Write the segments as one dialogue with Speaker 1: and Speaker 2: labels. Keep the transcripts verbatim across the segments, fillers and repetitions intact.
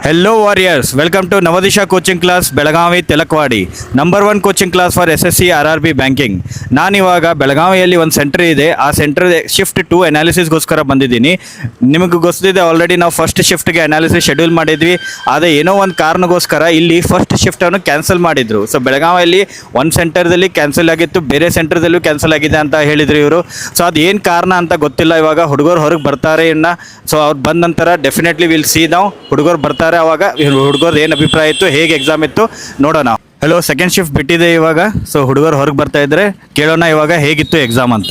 Speaker 1: Hello warriors, welcome to Navadisha coaching class Belagavi Tilakwadi number one coaching class for S S C R R B banking. ನಾನಿವಾಗ ಬೆಳಗಾವಿಯಲ್ಲಿ ಒಂದು centre ಇದೆ, ಆ centre shift to ಅನಾಲಿಸಿಸ್ಗೋಸ್ಕರ ಬಂದಿದ್ದೀನಿ. ನಿಮಗೆ ಗೊತ್ತಿದೆ ಆಲ್ರೆಡಿ ನಾವು ಫಸ್ಟ್ ಶಿಫ್ಟ್ಗೆ ಅನಾಲಿಸಿಸ್ ಶೆಡ್ಯೂಲ್ ಮಾಡಿದ್ವಿ, ಆದರೆ ಏನೋ ಒಂದು ಕಾರಣಕ್ಕೋಸ್ಕರ ಇಲ್ಲಿ ಫಸ್ಟ್ ಶಿಫ್ಟನ್ನು ಕ್ಯಾನ್ಸಲ್ ಮಾಡಿದರು. ಸೊ ಬೆಳಗಾವಿಯಲ್ಲಿ ಒಂದು ಸೆಂಟರ್ದಲ್ಲಿ ಕ್ಯಾನ್ಸಲ್ ಆಗಿತ್ತು, ಬೇರೆ ಸೆಂಟರ್ದಲ್ಲೂ ಕ್ಯಾನ್ಸಲ್ ಆಗಿದೆ ಅಂತ ಹೇಳಿದರು ಇವರು. ಸೊ ಅದು ಏನು ಕಾರಣ ಅಂತ ಗೊತ್ತಿಲ್ಲ. ಇವಾಗ ಹುಡುಗರು ಹೊರಗೆ ಬರ್ತಾರೆ ಇನ್ನು. ಸೊ ಅವ್ರು ಬಂದ ನಂತರ ಡೆಫಿನೆಟ್ಲಿ ವಿಲ್ ಸಿ ನಾವು ಹುಡುಗರು ಬರ್ತಾರೆ. ಅವಾಗ ಹುಡುಗರು ಏನು ಅಭಿಪ್ರಾಯ ಇತ್ತು, ಹೇಗೆ ಎಕ್ಸಾಮ್ ಇತ್ತು ನೋಡೋಣ. ಹಲೋ, ಸೆಕೆಂಡ್ ಶಿಫ್ಟ್ ಬಿಟ್ಟಿದೆ ಇವಾಗ. ಸೊ ಹುಡುಗರು ಹೊರಗೆ ಬರ್ತಾ ಇದ್ರೆ ಕೇಳೋಣ ಇವಾಗ ಹೇಗಿತ್ತು ಎಕ್ಸಾಮ್ ಅಂತ.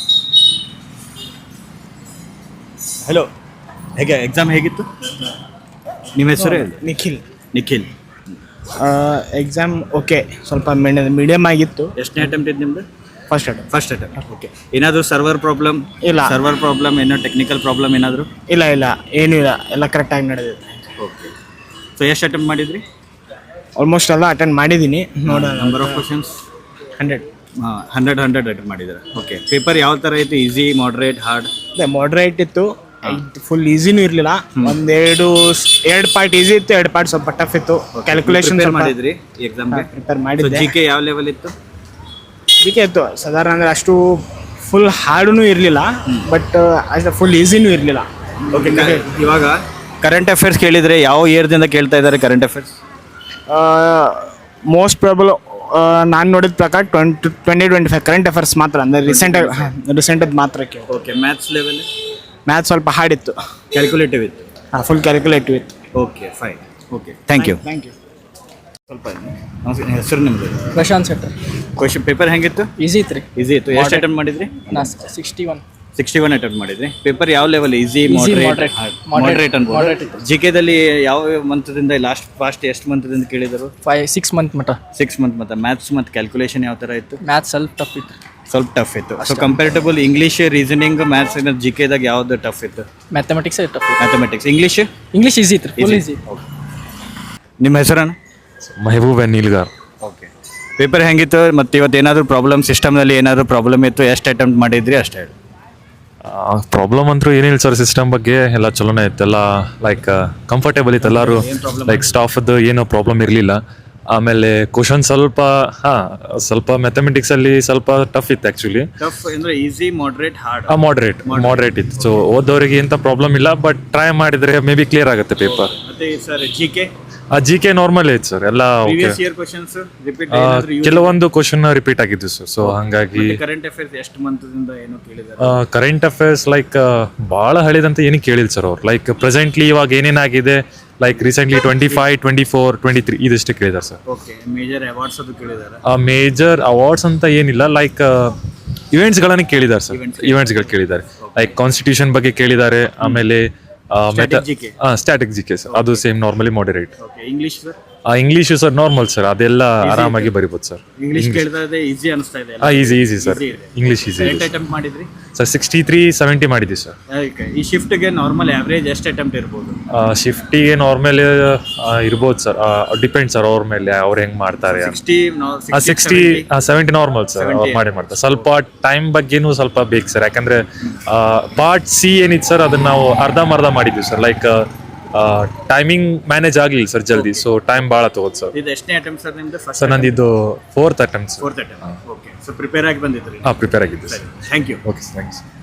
Speaker 1: ಹಲೋ, ಹೇಗೆ ಎಕ್ಸಾಮ್ ಹೇಗಿತ್ತು? ನಿಮ್ಮ ಹೆಸರು?
Speaker 2: ನಿಖಿಲ್.
Speaker 1: ನಿಖಿಲ್.
Speaker 2: ಎಕ್ಸಾಮ್ ಓಕೆ, ಸ್ವಲ್ಪ ಮೀಡಿಯಮ್ ಆಗಿತ್ತು.
Speaker 1: ಎಷ್ಟನೇ ಅಟೆಂಪ್ಟ್ ಇದೆ ನಿಮ್ಮದು?
Speaker 2: First attempt.
Speaker 1: First attempt. Okay. ಏನಾದರೂ ಸರ್ವರ್ ಪ್ರಾಬ್ಲಮ್?
Speaker 2: ಇಲ್ಲ.
Speaker 1: ಸರ್ವರ್ ಪ್ರಾಬ್ಲಮ್ ಏನೋ ಟೆಕ್ನಿಕಲ್ ಪ್ರಾಬ್ಲಮ್ ಏನಾದರೂ?
Speaker 2: ಇಲ್ಲ ಇಲ್ಲ ಏನೂ ಇಲ್ಲ, ಎಲ್ಲ ಕರೆಕ್ಟಾಗಿ ನಡೆದಿದೆ.
Speaker 1: ಓಕೆ. ಸೊ ಎಷ್ಟು ಅಟೆಂಪ್ಟ್ ಮಾಡಿದ್ರಿ?
Speaker 2: ಆಲ್ಮೋಸ್ಟ್ ಎಲ್ಲ ಅಟೆಂಡ್ ಮಾಡಿದ್ದೀನಿ. ನೋಡೋಣ.
Speaker 1: Number of questions?
Speaker 2: ಹಂಡ್ರೆಡ್.
Speaker 1: ಹಾಂ, ಹಂಡ್ರೆಡ್ ಹಂಡ್ರೆಡ್ ಅಟೆಂಪ್ಟ್ ಮಾಡಿದ್ದಾರೆ. ಓಕೆ. ಪೇಪರ್ ಯಾವ ಥರ ಇತ್ತು? Easy, moderate, hard?
Speaker 2: ಅದೇ ಮಾಡ್ರೇಟ್ ಇತ್ತು, ಫುಲ್ ಈಸಿನೂ ಇರಲಿಲ್ಲ. ಒಂದೆರಡು ಎರಡು ಪಾರ್ಟ್ ಈಸಿ ಇತ್ತು, ಎರಡು ಪಾರ್ಟ್ ಸ್ವಲ್ಪ ಟಫ್ ಇತ್ತು. ಕ್ಯಾಲ್ಕುಲೇಷನ್
Speaker 1: ಮಾಡಿದ್ರಿ ಎಕ್ಸಾಮ್ಗೆ?
Speaker 2: ಪ್ರಿಪೇರ್ ಮಾಡಿದ್ದೆ.
Speaker 1: ಜಿ ಕೆ ಯಾವ ಲೆವೆಲ್ ಇತ್ತು?
Speaker 2: ಜಿ ಕೆ ಇತ್ತು ಸಾಧಾರಣ, ಅಂದರೆ ಅಷ್ಟು ಫುಲ್ ಹಾರ್ಡೂ ಇರಲಿಲ್ಲ, ಬಟ್ ಅಷ್ಟು ಫುಲ್ ಈಸಿನೂ ಇರಲಿಲ್ಲ.
Speaker 1: ಓಕೆ. ಇವಾಗ ಕರೆಂಟ್ ಅಫೇರ್ಸ್ ಕೇಳಿದರೆ ಯಾವ ಇಯರ್ದಿಂದ ಕೇಳ್ತಾ ಇದ್ದಾರೆ ಕರೆಂಟ್ ಅಫೇರ್ಸ್?
Speaker 2: ಮೋಸ್ಟ್ ಪ್ರಾಬಲ್ ನಾನು ನೋಡಿದ ಪ್ರಕಾರ twenty twenty twenty five current affairs ಮಾತ್ರ, ಅಂದರೆ ರೀಸೆಂಟಾಗಿ ರೀಸೆಂಟದ್ದು ಮಾತ್ರ ಕೇಳಿ.
Speaker 1: ಓಕೆ. Maths level?
Speaker 2: ಮ್ಯಾಥ್ಸ್ ಸ್ವಲ್ಪ ಹಾರ್ಡ್ ಇತ್ತು.
Speaker 1: ಕ್ಯಾಲ್ಕುಲೇಟಿವ್ ಇತ್ತು?
Speaker 2: ಹಾಂ, ಫುಲ್ ಕ್ಯಾಲ್ಕುಲೇಟಿವ್ ಇತ್ತು.
Speaker 1: Okay, fine. Okay, thank you.
Speaker 2: Thank you.
Speaker 1: ಸ್ವಲ್ಪ ನಮಸ್ಕಾರ, ಹೆಸರು ನಿಮ್ಮದು?
Speaker 3: ಪ್ರಶಾಂತ್ ಶೆಟ್ಟರ್.
Speaker 1: ಕ್ವಶನ್ ಪೇಪರ್ ಹೆಂಗಿತ್ತು?
Speaker 3: ಈಸಿ ಇತ್ತು ರೀ.
Speaker 1: ಈಸಿ ಇತ್ತು. ಎಷ್ಟು ಅಟೆಂಪ್ಟ್ ಮಾಡಿದ್ರಿ?
Speaker 3: ನಾ sixty one
Speaker 1: sixty one attempt ಮಾಡಿದ್ರಿ. ಪೇಪರ್ ಯಾವ level? Easy,
Speaker 3: moderate,
Speaker 1: moderate,
Speaker 3: moderate,
Speaker 1: moderate ಅನ್ಬೋದು.
Speaker 3: moderate ಇತ್ತು.
Speaker 1: ಜಿ ಕೆದಲ್ಲಿ ಯಾವ ಮಂತ್ದಿಂದ ಲಾಸ್ಟ್ ಫಾಸ್ಟ್ ಎಷ್ಟು ಮಂತ್ದಿಂದ ಕೇಳಿದರು?
Speaker 3: ಫೈವ್ ಸಿಕ್ಸ್ ಮಂತ್ ಮಟ.
Speaker 1: Six month. ಮತ್ತು ಮ್ಯಾಥ್ಸ್ ಮತ್ತು ಕ್ಯಾಲ್ಕುಲೇಷನ್ ಯಾವ ಥರ ಇತ್ತು?
Speaker 3: ಮ್ಯಾಥ್ಸ್ ಸ್ವಲ್ಪ ಟಫ್ ಇತ್ತು.
Speaker 1: ಸ್ವಲ್ಪ ಟಫ್ ಇತ್ತು. So ಕಂಪೇರಿಟಬಲ್ English, reasoning, maths G ಕೆದಾಗ ಯಾವ್ದು ಟಫ್ ಇತ್ತು?
Speaker 3: ಮ್ಯಾಥಮೆಟಿಕ್ಸ್ ಟಫ್ ಇತ್ತು.
Speaker 1: ಮ್ಯಾಥಮೆಟಿಕ್ಸ್. ಇಂಗ್ಲೀಷ್?
Speaker 3: ಇಂಗ್ಲೀಷ್ ಈಸಿ ಇತ್ತು, ಫುಲ್ ಈಸಿ.
Speaker 1: ನಿಮ್ಮ ಹೆಸರನ್ನು?
Speaker 4: ಮೆಹಬೂಬ್ ನೀಲ್ಗಾರ್.
Speaker 1: ಓಕೆ. ಪೇಪರ್ ಹೆಂಗಿತ್ತು? ಮತ್ತು ಇವತ್ತು ಏನಾದರೂ ಪ್ರಾಬ್ಲಮ್, ಸಿಸ್ಟಮ್ನಲ್ಲಿ ಏನಾದರೂ ಪ್ರಾಬ್ಲಮ್ ಇತ್ತು? ಎಷ್ಟು ಅಟೆಂಪ್ಟ್ ಮಾಡಿದ್ರಿ ಅಷ್ಟೇ ಹೇಳಿ.
Speaker 4: ಪ್ರಾಬ್ಲಮ್ ಅಂತೂ ಏನಿಲ್ಲ ಸರ್, ಸಿಸ್ಟಮ್ ಬಗ್ಗೆ ಎಲ್ಲ ಚಲೋನೇ ಇತ್ತು. ಎಲ್ಲ ಲೈಕ್ ಕಂಫರ್ಟೇಬಲ್ ಇತ್ತು ಎಲ್ಲರೂ. ಲೈಕ್ ಸ್ಟಾಫದ್ದು ಏನೋ ಪ್ರಾಬ್ಲಮ್ ಇರಲಿಲ್ಲ. ಆಮೇಲೆ ಕ್ವಶನ್ ಸ್ವಲ್ಪ ಹಾಂ ಸ್ವಲ್ಪ ಮ್ಯಾಥಮೆಟಿಕ್ಸಲ್ಲಿ ಸ್ವಲ್ಪ ಟಫ್ ಇತ್ತು ಆ್ಯಕ್ಚುಲಿ.
Speaker 1: ಟಫ್ ಅಂದರೆ ಈಸಿ, ಮಾಡ್ರೇಟ್, ಹಾರ್ಡ್?
Speaker 4: ಹಾಂ, ಮಾಡ್ರೇಟ್ ಮಾಡ್ರೇಟ್ ಇತ್ತು. ಸೊ ಓದೋರಿಗೆ ಎಂಥ ಪ್ರಾಬ್ಲಮ್ ಇಲ್ಲ, ಬಟ್ ಟ್ರೈ ಮಾಡಿದರೆ ಮೇ ಬಿ ಕ್ಲಿಯರ್ ಆಗುತ್ತೆ ಪೇಪರ್.
Speaker 1: ಮತ್ತೆ ಸರ್ ಜಿ ಕೆ?
Speaker 4: ಆ ಜಿ ಕೆ ನಾರ್ಮಲ್ ಇತ್ತು ಸರ್ ಎಲ್ಲ. ಓಕೆ. ಕೆಲವೊಂದು ಕ್ವಶನ್ ರಿಪೀಟ್ ಆಗಿದ್ದು ಸರ್. ಸೊ ಹಾಗಾಗಿ
Speaker 1: ಕರೆಂಟ್ ಅಫೇರ್ಸ್ ಎಷ್ಟು ಮಂತ್ದಿಂದ ಏನೋ ಕೇಳಿದ್ದಾರೆ?
Speaker 4: ಕರೆಂಟ್ ಅಫೇರ್ಸ್ ಲೈಕ್ ಭಾಳ ಹಳಿದಂತ ಏನು ಕೇಳಿಲ್ಲ ಸರ್ ಅವ್ರು. ಲೈಕ್ ಪ್ರೆಸೆಂಟ್ಲಿ ಇವಾಗ ಏನೇನಾಗಿದೆ, like recently twenty five twenty four twenty three ಇದಷ್ಟೇ ಕೇಳಿದ್ದಾರೆ ಸರ್.
Speaker 1: ಓಕೆ. ಮೇಜರ್ ಅವಾರ್ಡ್ಸ್ ಅದು ಕೇಳಿದ್ದಾರೆ?
Speaker 4: ಮೇಜರ್ ಅವಾರ್ಡ್ಸ್ ಅಂತ ಏನಿಲ್ಲ, ಲೈಕ್ ಇವೆಂಟ್ಸ್ಗಳನ್ನ ಕೇಳಿದ್ದಾರೆ ಸರ್. ಇವೆಂಟ್ಸ್ಗಳು ಕೇಳಿದ್ದಾರೆ, ಲೈಕ್ ಕಾನ್ಸ್ಟಿಟ್ಯೂಷನ್ ಬಗ್ಗೆ ಕೇಳಿದ್ದಾರೆ. ಆಮೇಲೆ ಸ್ಟ್ಯಾಟಿಕ್ ಜಿ ಕೆ ಸರ್, ಅದು same normally moderate.
Speaker 1: English sir?
Speaker 4: English sir normal sir, ಅದೆಲ್ಲ ಆರಾಮಾಗಿ ಬರಿಬೋದು ಸರ್.
Speaker 1: ಇಂಗ್ಲಿಷ್ ಕೇಳಿದ್ರೆ ಈಸಿ ಅನಿಸ್ತಾ ಇದೆ?
Speaker 4: ಹಾಂ, easy easy sir, English easy.
Speaker 1: ಎಷ್ಟು ಅಟೆಂಪ್ಟ್ ಮಾಡಿದ್ರಿ
Speaker 4: ಸರ್? ಸಿಕ್ಸ್ಟಿ ತ್ರೀ ಸೆವೆಂಟಿ ಮಾಡಿದ್ವಿ ಸರ್.
Speaker 1: ಈ ಶಿಫ್ಟ್ಗೆ ನಾರ್ಮಲ್ ಆವ್ರೇಜ್ ಎಷ್ಟು ಅಟೆಂಪ್ಟ್ ಇರ್ಬೋದು?
Speaker 4: ಶಿಫ್ಟಿಗೆ ನಾರ್ಮಲ್ ಇರ್ಬೋದು ಸರ್, ಡಿಪೆಂಡ್ ಸರ್ ಅವ್ರ ಮೇಲೆ, ಅವ್ರು ಹೆಂಗೆ ಮಾಡ್ತಾರೆ. ಸಿಕ್ಸ್ಟಿ ಸೆವೆಂಟಿ ನಾರ್ಮಲ್ ಸರ್, ಅವ್ರು ಮಾಡಿ ಮಾಡ್ತಾರೆ. ಸ್ವಲ್ಪ ಟೈಮ್ ಬಗ್ಗೆನೂ ಸ್ವಲ್ಪ ಬೇಕು ಸರ್, ಯಾಕಂದರೆ ಪಾರ್ಟ್ ಸಿ ಏನಿತ್ತು ಸರ್ ಅದನ್ನ ನಾವು ಅರ್ಧಂಬರ್ಧ ಮಾಡಿದ್ವಿ ಸರ್. ಲೈಕ್ ಟೈಮಿಂಗ್ ಮ್ಯಾನೇಜ್ ಆಗಲಿಲ್ಲ ಸರ್ ಜಲ್ದಿ, ಸೊ ಟೈಮ್ ಭಾಳ ತಗೋದು ಸರ್.
Speaker 1: ಇದು ಎಷ್ಟನೇ ಅಟೆಂಪ್ಟ್ ಸರ್ ನಿಮ್ಮದು?
Speaker 4: ಸರ್ ನಂದು ಇದು fourth attempt sir.
Speaker 1: Fourth attempt. Okay. So prepare ಆಗಿ ಬಂದಿದ್ರಿ?
Speaker 4: ಹಾಂ, ಪ್ರಿಪೇರ್ ಆಗಿದ್ದು sir.
Speaker 1: Thank you.
Speaker 4: Okay, thanks.